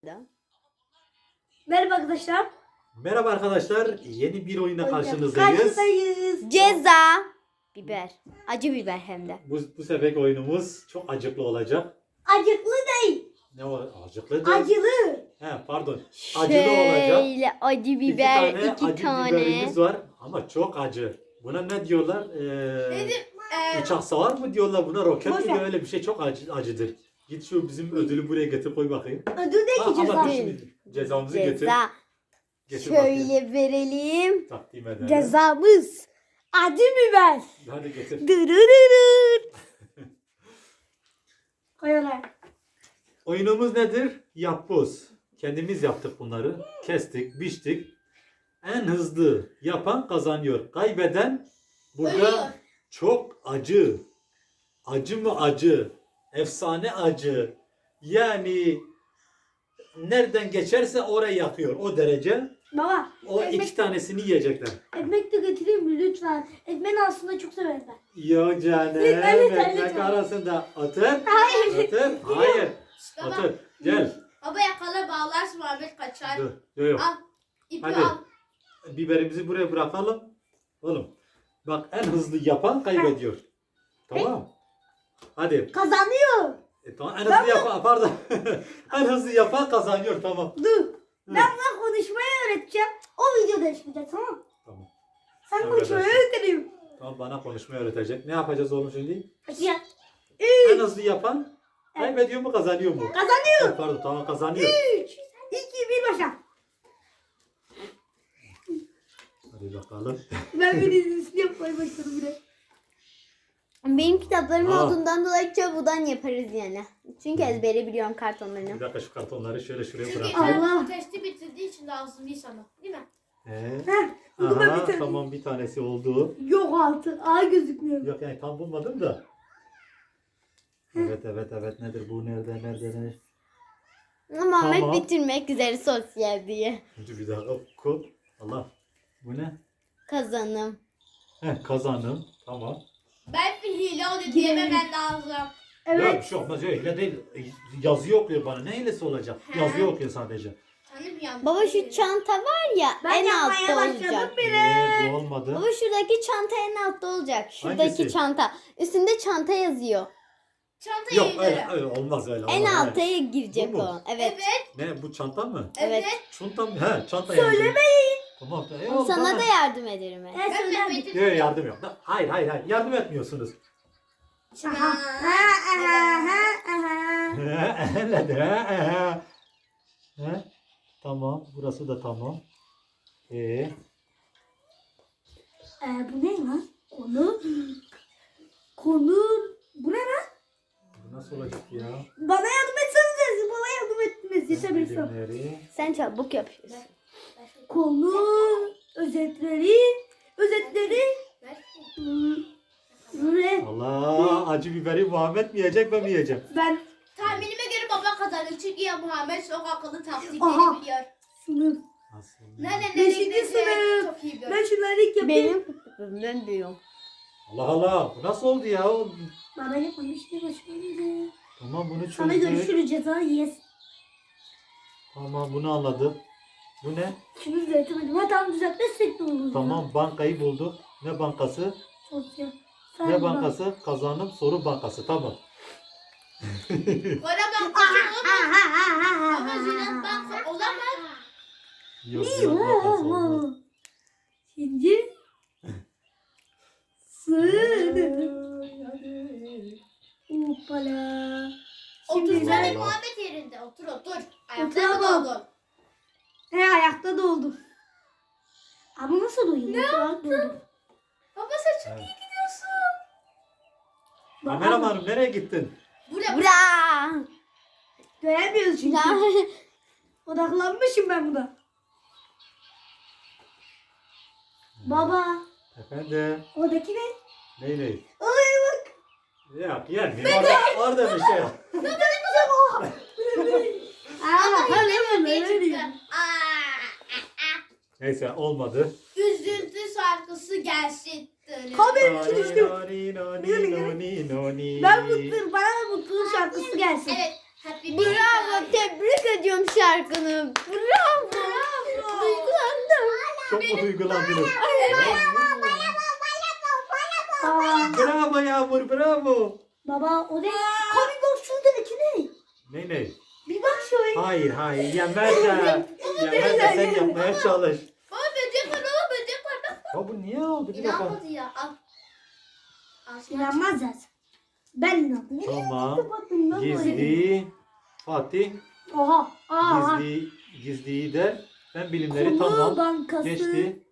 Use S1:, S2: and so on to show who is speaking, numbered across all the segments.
S1: Merhaba arkadaşlar.
S2: Merhaba arkadaşlar. Yeni bir oyuna karşınızdayız.
S1: Karşıdayız.
S3: Ceza. Biber. Acı biber hem de.
S2: Bu seferki oyunumuz çok acıklı olacak.
S1: Acıklı değil.
S2: Ne o? Acıklı değil.
S1: Acılı.
S2: He, pardon. Acılı olacak.
S3: Şöyle acı biber
S2: İki
S3: iki
S2: tane acı biberimiz var ama çok acı. Buna ne diyorlar? Uçak savar mı diyorlar buna? Roket
S1: Boş
S2: mi?
S1: ver.
S2: Öyle bir şey çok acıdır. Git şu bizim ödülü buraya getir koy bakayım.
S1: Ödül değil ki ceza.
S2: Ama dur şimdi cezamızı getir.
S3: Ceza.
S2: Getir bakayım.
S3: Şöyle verelim.
S2: Takdim edelim.
S3: Cezamız.
S1: Acı biber.
S2: Hadi getir.
S3: Dırırırır.
S1: Koyalım.
S2: Oyunumuz nedir? Yapboz. Kendimiz yaptık bunları. Kestik, biçtik. En hızlı yapan kazanıyor. Kaybeden burada
S1: Ölüyor.
S2: çok acı. Acı mı acı? Efsane acı. Yani nereden geçerse orayı yakıyor. O derece.
S1: Baba.
S2: O iki tanesini yiyecekler.
S1: Ekmek de getireyim mi lütfen? Ekmeğin aslında çok severim ben.
S2: Yok canım.
S1: Lütfen, lütfen,
S2: Ekmek
S1: lütfen.
S2: arasında otur.
S1: Hayır.
S2: Otur. Hayır.
S4: Baba,
S2: Otur. Gel.
S4: baba yakala bağlarsın Muhammed kaçar.
S2: Dur. Yok yok.
S4: Al. İpi
S2: Hadi.
S4: al.
S2: Biberimizi buraya bırakalım. Oğlum. Bak en hızlı yapan kaybediyor. Tamam. Hadi.
S1: Kazanıyor.
S2: Tamam en hızlı yapan pardon. En hızlı yapan kazanıyor tamam.
S1: Dur. Ben buna konuşmayı öğreteceğim. O videoda çıkacak tamam mı?
S2: Tamam.
S1: Sen
S2: Tamam,
S1: konuşmayı
S2: arkadaşlar.
S1: öğreteyim.
S2: Tamam bana konuşmayı öğretecek. Ne yapacağız oğlum şimdi?
S1: Açacağım.
S2: En hızlı yapan kaybediyor mu kazanıyor mu?
S1: Kazanıyor.
S2: Pardon tamam kazanıyor.
S1: 3, 2, 1 başla.
S2: Hadi bakalım.
S1: Ben bir dizisini yapmaya başladım bile.
S3: Benim kitaplarım
S2: Aa.
S3: olduğundan dolayı çabudan yaparız yani. Çünkü ezbere biliyorum kartonlarını.
S2: Bir dakika şu kartonları şöyle şuraya
S4: Çünkü
S2: bırakayım.
S1: Allah.
S4: bu testi bitirdiği için lazım değil sana. Değil mi?
S1: Heh, bunu ben
S2: Aha,
S1: bitirdim.
S2: tamam bir tanesi oldu.
S1: Yok altı. A gözükmüyor.
S2: Yok yani tam bulmadım da. Evet nedir bu nerede?
S3: Ama Ahmet
S2: Tamam.
S3: bitirmek üzere sosyal diye.
S2: Dur bir dakika oku. Allah. Bu ne?
S3: Kazanım.
S2: Kazanım. Tamam.
S4: Ben bir hile oldu diyememen lazım.
S2: Ya
S1: Evet.
S2: bir şey olmaz ya hile değil. Yazıyor okuyor bana. Ne hilesi olacak? Yazıyor okuyor sadece.
S4: Tanım yandı.
S3: Baba şu çanta var ya
S1: Ben
S3: en
S1: yapmaya
S3: altta
S1: başladım
S3: olacak.
S1: bile.
S2: Bu olmadı.
S3: Baba şuradaki çanta en altta olacak. Şuradaki
S2: Hangisi?
S3: çanta. Üstünde çanta yazıyor.
S4: Çanta
S2: Yok
S4: yayınları.
S2: öyle olmaz öyle.
S3: En
S2: olmaz,
S3: alta girecek
S2: Bu mu?
S3: o. Evet.
S2: Ne bu çanta mı?
S3: Evet.
S2: Çanta mı? He çanta yani.
S1: Söylemeyin.
S2: Tamam.
S3: Sana da yardım ederim.
S1: Ben
S4: Ben
S1: söylerim.
S4: Mehmet'im.
S2: Yok yardım yok. Hayır. Yardım etmiyorsunuz.
S1: Aha. Aha.
S2: Nedir? He? Tamam. Burası da tamam.
S1: Bu ne lan? Konu. Bu ne lan?
S2: Bu nasıl olacak ya?
S1: Bana yardım etsenize. Bana yardım etmenizi istemiştim.
S2: Bilimleri.
S3: Sen çabuk yapıyorsun.
S1: Konu. Özetleri.
S4: Ver.
S1: Bu ne?
S2: Allah acı biberi Muhammed mi yiyecek ben mi yiyeceğim?
S1: Ben
S4: Tahminime göre baba kazanır. Çünkü ya Muhammed çok akıllı
S1: Aha.
S4: taktikleri biliyor.
S1: sınıf.
S2: Nasıl?
S4: Nerede
S1: Beşinci
S4: nereye
S1: sınıf.
S4: çok iyi biliyor.
S1: Ben şunları ilk yapayım.
S3: Ben büyüğüm.
S2: Allah bu nasıl oldu ya?
S1: Bana yapmamıştı başlayınca.
S2: Tamam bunu
S1: Sana
S2: çözdük.
S1: görüşürüz ceza yes.
S2: Tamam bunu anladım. Bu ne?
S1: Şunu düzeltemedim. Ha tamam düzeltmezsek de olur.
S2: Tamam bankayı bulduk. Ne bankası?
S1: Sosyal.
S2: Ne bankası? Kazanım soru bankası. Tamam.
S4: Para bankası olamaz. Ama Ziraat Banka olamaz.
S2: Yok bankası olmaz.
S1: Şimdi Hoppala.
S4: Otursana
S2: ben-
S4: Muhammed yerinde. Otur. Ayakta
S1: Oturamam.
S4: mı doldun?
S1: He ayakta doldum. Ama nasıl doyayım? Ne yaptın?
S4: Baba sen çok
S2: Evet.
S4: iyi gidiyorsun.
S2: Kameramanım nereye gittin?
S4: Buraya.
S3: Bra!
S1: Göremiyoruz çünkü. Odaklanmışım ben buna. Baba.
S2: Efendim?
S1: Oradaki ne?
S2: Ne?
S1: Ay bak.
S2: Yok yenmiyor. Orada bir şey yok.
S1: Aa,
S4: Baba
S1: öyle
S4: hile
S1: öyle
S4: çıktı.
S2: Neyse olmadı.
S4: Üzüntü şarkısı gelsin.
S1: Benim için düştüm.
S2: Noni, noni, noni, noni.
S1: Ben mutluyum. Bana da mutluluk şarkısı gelsin.
S4: Evet. Happy
S3: Bravo, tebrik ediyorum şarkını. Bravo. Duygulandım.
S2: Çok mu duygulandınız?
S1: Aa,
S2: Bravo Yağmur, bravo.
S1: baba o ne? Abi bak şuradaki ne?
S2: Ne?
S1: Bir bak şöyle.
S2: Hayır, yemezler. Yemezler, sen yapmaya çalış.
S4: Baba böcek var baba böcek var bak.
S2: Ya bu niye oldu? Bir dakika.
S4: İnanmadı ya al. Al şunu.
S1: İnanmaz zaten. Ben inandım.
S2: Tamam.
S1: Bakın lan böyle.
S2: Gizli. Fatih.
S1: Oha. Aa.
S2: Gizliyi der. Ben bilimleri
S1: Konu
S2: tamam.
S1: bankası.
S2: Geçti.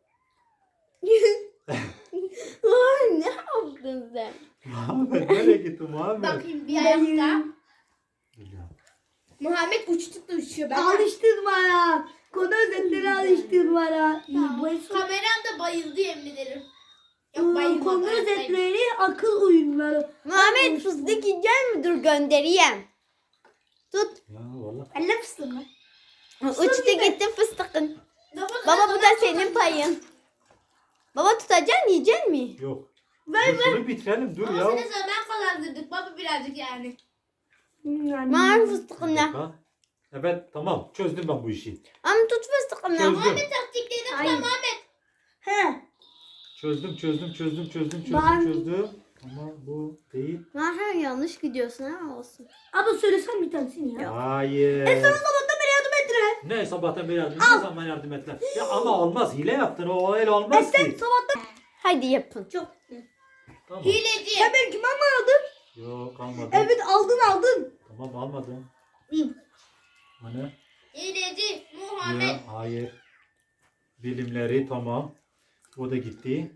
S3: Ay, ne yaptın sen?
S2: Muhammed nereye gitti Muhammed?
S4: Bakayım bir ayakta.
S2: Ya.
S4: Muhammed uçtuk da uçuyor. Ben
S1: Alıştırma. Konu özetleri alıştırma. İyi bu
S4: kameram da bayıldı yemin ederim. Yok bayılmadı.
S1: konu
S4: ayaktayım.
S1: özetleri akıl oyunları.
S3: Muhammed fıstık yiyecek mi? Dur göndereyim. Tut.
S2: Ya valla.
S1: Ben ne fıstığım lan?
S3: Uçtu gitti fıstıkın.
S4: Baba,
S3: Baba bu da senin payın. Baba tutacaksın yiyecek mi?
S2: Yok.
S1: Ver,
S2: Dur, şunu bitirelim dur
S4: Ama
S2: ya.
S4: seni zaman kazandırdık baba birazcık yani.
S3: Muhammed fıstıkını.
S2: Ha? Evet tamam çözdüm ben bu işi.
S3: Ama tut fıstıkını.
S2: Çözdüm.
S4: Muhammed taktiklerini
S1: Ay.
S4: kullan Muhammed.
S1: He.
S2: Çözdüm.
S1: Ben-
S2: Ama bu değil.
S3: Muhammed yanlış gidiyorsun ama olsun.
S1: Abla söylesen bir tanesini ya.
S2: Hayır.
S1: Sabahtan beri yardım ettiler.
S2: Ne sabahtan beri yardım ne zaman yardım ettiler? Ya ama olmaz hile yaptın o öyle olmaz
S1: Sen
S2: ki.
S1: sabahtan
S3: Hadi yapın.
S1: çok.
S2: Tamam.
S4: Hileci.
S1: Sen benim kime mi aldın?
S2: Yok almadım.
S1: Evet aldın.
S2: Tamam almadım.
S1: İyi.
S2: Hani?
S4: Hileci. Muhammed.
S2: Ya, hayır. Bilimleri tamam. O da gitti.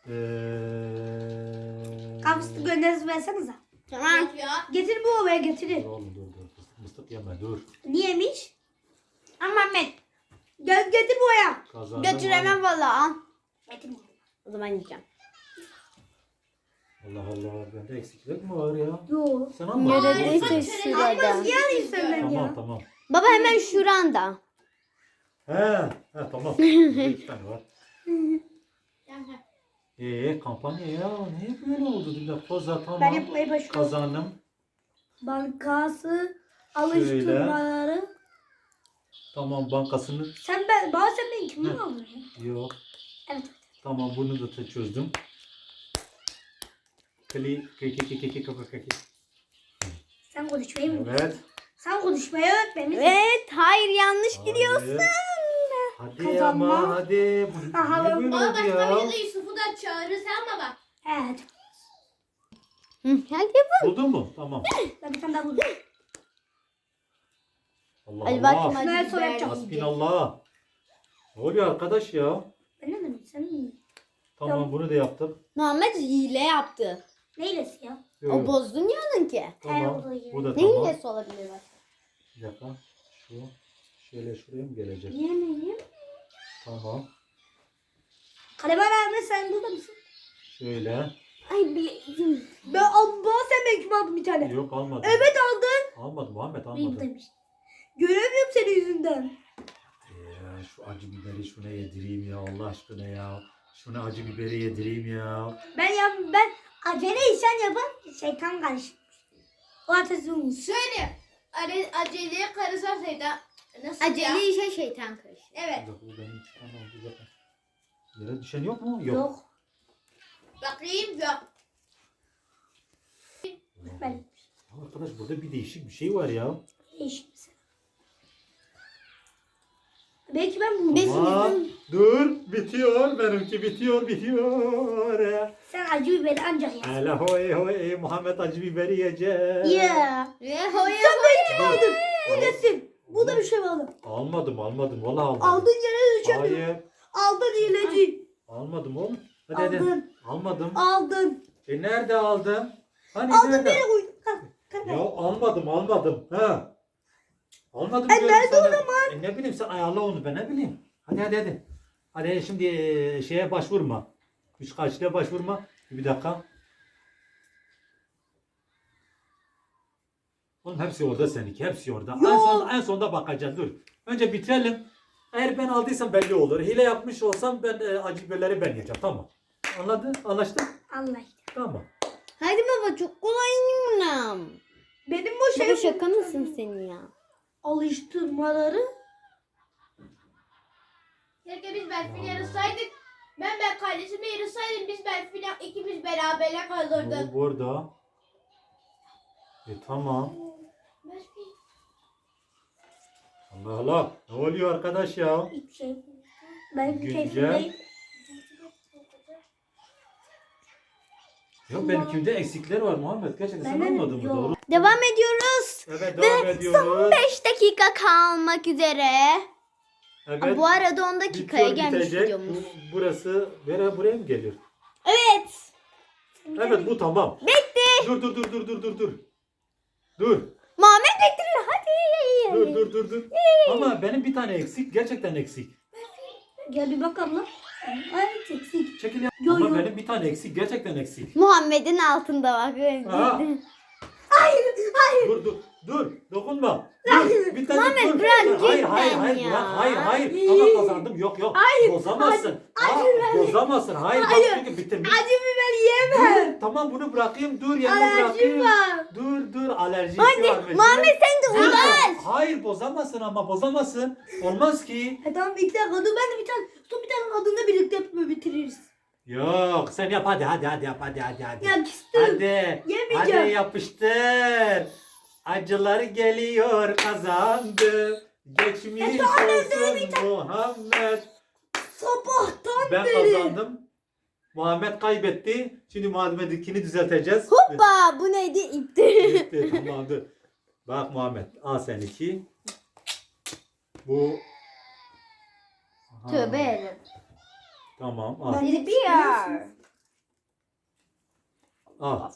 S1: Kapsıtı gönderisi versenize.
S3: Tamam.
S4: Yok ya.
S1: Getir bu ovaya
S2: Dur
S1: getirin.
S2: oğlum dur. Mıstık yeme dur.
S1: Niyemiş? Muhammed. Getir bu ovaya.
S2: Kazandım.
S3: Götüremem valla al.
S1: Getir bu.
S3: O zaman yiyeceğim.
S2: Allah Allah. Bende eksiklik mi var ya?
S1: Yok.
S2: Sen almadın.
S3: Neredeyse
S2: Olsun.
S3: şurada.
S1: Yani senden ya.
S2: Tamam.
S3: Baba hemen şuranda.
S2: He tamam. Burada 2 tane var.
S4: Yani.
S2: Kampanya ya. Niye böyle oldu? Bir dakika koza tamam.
S1: Ben yapmaya başlıyorum.
S2: Kazandım.
S1: Bankası alıştırmaları.
S2: Tamam bankasını.
S1: Bana sen benim kimi
S2: Hı.
S1: aldın ya?
S2: Yok.
S1: Evet.
S2: Tamam bunu da çözdüm.
S1: Sen konuşmayı mı?
S2: Evet.
S1: Sen konuşmayı öğretmemişsin.
S3: Evet hayır yanlış gidiyorsun.
S2: Hayır. Hadi
S1: Kazanma.
S2: ama hadi. Bu
S1: Aha,
S2: niye böyle
S4: Baba
S2: oldu
S4: başka
S2: ya?
S4: bir de Yusuf'u da çağırırız ama bak.
S1: Evet.
S3: Hı, hadi yapın.
S2: Buldun mu? Tamam.
S1: Ben bir tane daha buldum.
S2: Allah
S3: Hadi
S2: Allah.
S3: bakayım
S1: Ben
S3: hadi
S1: sonra
S3: biber
S1: yapacağım.
S3: yiyeceğiz.
S2: Hasbinallah. Ne oluyor arkadaş ya?
S1: Ben ne demek? Sen mi?
S2: Tamam bunu da yaptım.
S3: Muhammed hile yaptı.
S1: Neylesi ya?
S2: Yok,
S3: O
S2: yok.
S3: bozdun yanın ki.
S2: Tamam.
S1: o da iyi.
S2: Bu da
S3: Ne
S2: tamam.
S3: hilesi olabilir bak.
S2: Bir dakika. Şöyle şuraya mı gelecek?
S1: Yemeyeyim.
S2: Tamam.
S1: Kaleber abi sen burada mısın?
S2: Şöyle.
S3: Ay bileyim.
S1: Bana sen benim kimi aldın bir tane.
S2: Yok almadım.
S1: Evet aldın.
S2: Almadım Muhammed
S1: İyi
S2: almadım.
S1: buradaymış. Göremiyorum senin yüzünden.
S2: Şu acı biberi şuna yedireyim ya Allah aşkına ya. Şuna acı biberi yedireyim ya.
S1: Ben acele işen yapan şeytan karışmış. O ateşi olmuş.
S4: Şöyle. Aceleye karışarsaydı. Nasıl ya?
S3: Acele işe şeytan karıştı.
S4: Evet.
S2: Bir dakika, bu benim iki tane oldu zaten. Yere düşen yok mu? Yok.
S1: Yok.
S4: Bakayım yok.
S1: Ben
S2: Arkadaş burada bir değişik bir şey var ya.
S1: değişik misin? Belki ben bunu.
S2: Tamam. Dur. Bitiyor. Benimki bitiyor.
S1: Sen acı biberi ancak yersin.
S2: Hele hoy hoy Muhammed acı biberi yiyecek.
S1: Yeah.
S3: Hoya
S1: Sen aldın. Bu nesin? Bu da bir şey mi aldın?
S2: Almadım. Valla almadım.
S1: Aldın yere düşen.
S2: Hayır.
S1: Aldın hileci.
S2: Almadım oğlum. Hadi.
S1: Aldın.
S2: Almadım.
S1: Aldın.
S2: Nerede aldım? Hani
S1: Aldın
S2: nerede?
S1: nereye koydun?
S2: Ya almadım. Ha. Almadım
S1: E,
S2: diyorum
S1: nerede
S2: sana.
S1: o zaman?
S2: Ne bileyim sen ayarla onu ben ne bileyim. Hadi. Hadi şimdi şeye başvurma. Üç kaçlığa başvurma. Bir dakika. Oğlum hepsi orada seninki. Hepsi orada. En sonda bakacağız. Dur. Önce bitirelim. Eğer ben aldıysam belli olur. Hile yapmış olsam ben acı biberleri ben yiyeceğim. Tamam. Anladın? Anlaştık?
S1: Allah.
S2: Tamam.
S3: Hadi baba çok kolay bunlar.
S1: Benim bu
S3: Baba şaka mısın sen ya?
S1: alıştırmaları
S4: Keşke biz Berfin'i yarışsaydık. Ben kardeşimi yarışsaydım biz Berfin'le ikimiz beraber kalırdık.
S2: Bu burada. Tamam.
S4: Berfin.
S2: Allah Allah. Ne oluyor arkadaş ya?
S1: hiçbir şey. Ben
S2: Güncel.
S1: keyfimdeyim.
S2: Yok benimkinde eksikler var Muhammed. Gerçekten sen
S1: Benden
S2: almadın mı?
S1: yok.
S2: Doğru.
S3: Devam ediyoruz.
S2: Evet devam ediyoruz.
S3: 5 dakika kalmak üzere.
S2: Evet.
S3: Bu arada 10 dakikaya
S2: Bitiyor,
S3: gelmiş
S2: bitecek.
S3: videomuz.
S2: Burası buraya mı gelir?
S3: Evet.
S2: Evet bu tamam.
S3: Bitti.
S2: Dur. Dur.
S3: Muhammed bekliyor. Hadi.
S2: Dur. Ama benim bir tane eksik. Gerçekten eksik.
S1: Gel bir bak abla. Ay eksik.
S2: Çekil ya.
S1: Yo,
S2: Ama
S1: yo.
S2: benim bir tane eksik. Gerçekten eksik.
S3: Muhammed'in altında bak.
S2: Aa. Dur. Dokunma. Bir tane
S3: Muhammed,
S2: dur.
S3: bırak
S2: Hayır,
S3: cidden
S2: hayır.
S3: ya.
S2: Bırak. Hayır. Ama kazandım. Yok. Bozamazsın. Bozamazsın. Hayır. Bak çünkü bitirmiş.
S1: Acı biber yiyemem.
S2: Dur, tamam bunu bırakayım. Dur yanına bırakayım.
S1: var.
S2: Dur. Alerjisi var. mesela.
S3: Muhammed sen de
S2: Dur.
S3: uğraş.
S2: Hayır bozamazsın ama bozamazsın. Olmaz ki.
S1: Tamam bir dakika dur ben de bir tane son bir tane adında birlikte yapıp bitiririz.
S2: Yok sen yap hadi yap.
S1: Ya küstüm.
S2: Hadi.
S1: Yemeyeceğim.
S2: Hadi yapıştır. Acılar geliyor kazandı. Geçmiş olsun Muhammed.
S1: Sabahtan
S2: Ben
S1: beri.
S2: kazandım. Muhammed kaybetti. Şimdi Muhammed'inkini düzelteceğiz.
S3: Hoppa bu neydi? İpti.
S2: Bitti tamam dur. Bak Muhammed al sen 2. Bu. Aha,
S3: Tövbe ederim.
S2: Tamam al.
S1: Ben de
S3: Biber.
S2: Al.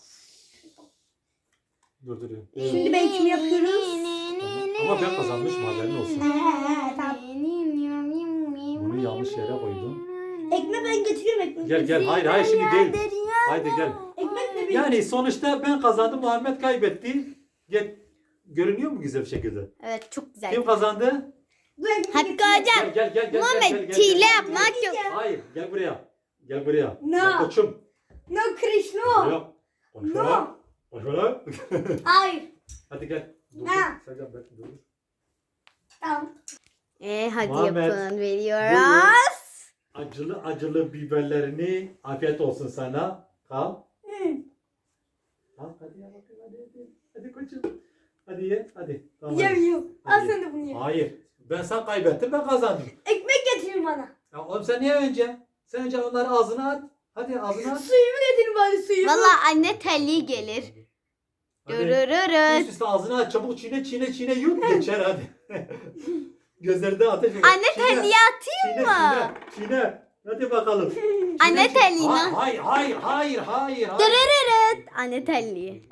S2: Dur.
S1: Şimdi ben kim yapıyoruz?
S2: Ama ben kazanmışım haberin olsun.
S1: Tamam.
S2: Bunu yanlış yere koydum.
S1: Ekmek ben getiriyorum ekmek.
S2: Gel. Hayır şimdi değil. Haydi gel.
S1: Ekmek de bir.
S2: Yani sonuçta ben kazandım Muhammed kaybetti. Gel. Görünüyor mu güzel bir şekilde?
S3: Evet çok güzel.
S2: Kim kazandı?
S1: Bu ekmek
S3: Hadi
S1: getiriyorum.
S3: hocam.
S2: Gel.
S3: Muhammed hile yapmak yok.
S2: Hayır gel buraya. Gel buraya.
S1: No.
S2: Gel koçum.
S1: No Krish no.
S2: Yok. Koş
S1: No.
S2: bana. Koş bana.
S1: Hayır.
S2: Hadi gel. Dur.
S1: Ha.
S2: Sercan bekle dur.
S1: Tamam.
S3: Hadi
S2: Muhammed,
S3: yapın veriyoruz.
S2: Acılı biberlerini afiyet olsun sana. Kal. Al hadi ya bakayım hadi. Hadi koçum. Hadi ye hadi. Tamam, hadi.
S1: Yemiyorum. Al
S2: Hadi.
S1: sen de bunu ye.
S2: Hayır. Ben kaybettim ben kazandım.
S1: Ekmek getirin bana.
S2: Ya oğlum sen niye önce? Sen önce onları ağzına at. Hadi ağzına at.
S1: Suyumu getirin bana suyumu.
S3: Valla anne telli gelir.
S2: Hadi.
S3: Görürürüz.
S2: Üst üste ağzına at çabuk çiğne yut geçer hadi. Gözlerinde ateş var.
S3: Anne
S2: Çiğne,
S3: telliyi atayım mı?
S2: Çiğne. Hadi bakalım.
S3: Anne
S2: Çiğne.
S3: telliyi mi?
S2: Hayır.
S3: Dırırırıt. Anne telliyi.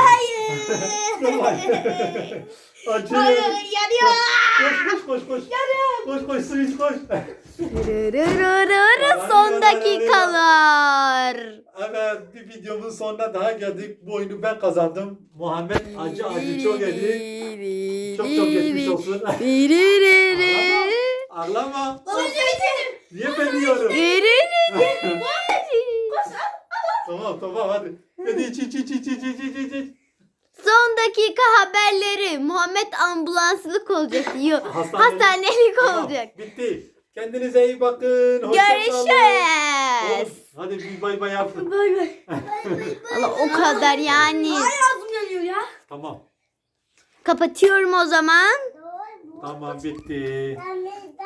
S2: Acı.
S1: Yanıyor.
S2: Koş. Koş su iç koş.
S3: Dırırırırı son dakikalar.
S2: Evet bir videomun sonuna daha geldik. Bu oyunu ben kazandım. Muhammed acı çok yedi. Çok geçmiş olsun. Ağlama.
S1: Baba getirin.
S2: Niye ben yiyorum? Tamam hadi. Hadi iç.
S3: Son dakika haberleri. Muhammed ambulanslık olacak diyor. Hastanelik
S2: Tamam,
S3: olacak.
S2: bitti. Kendinize iyi bakın. Hoşça kalın.
S3: Görüşürüz.
S2: Hadi bir bay bay yapın.
S1: Bay bay.
S3: Valla o kadar yani.
S1: Ağzım yanıyor ya.
S2: Tamam.
S3: Kapatıyorum o zaman.
S2: Tamam bitti.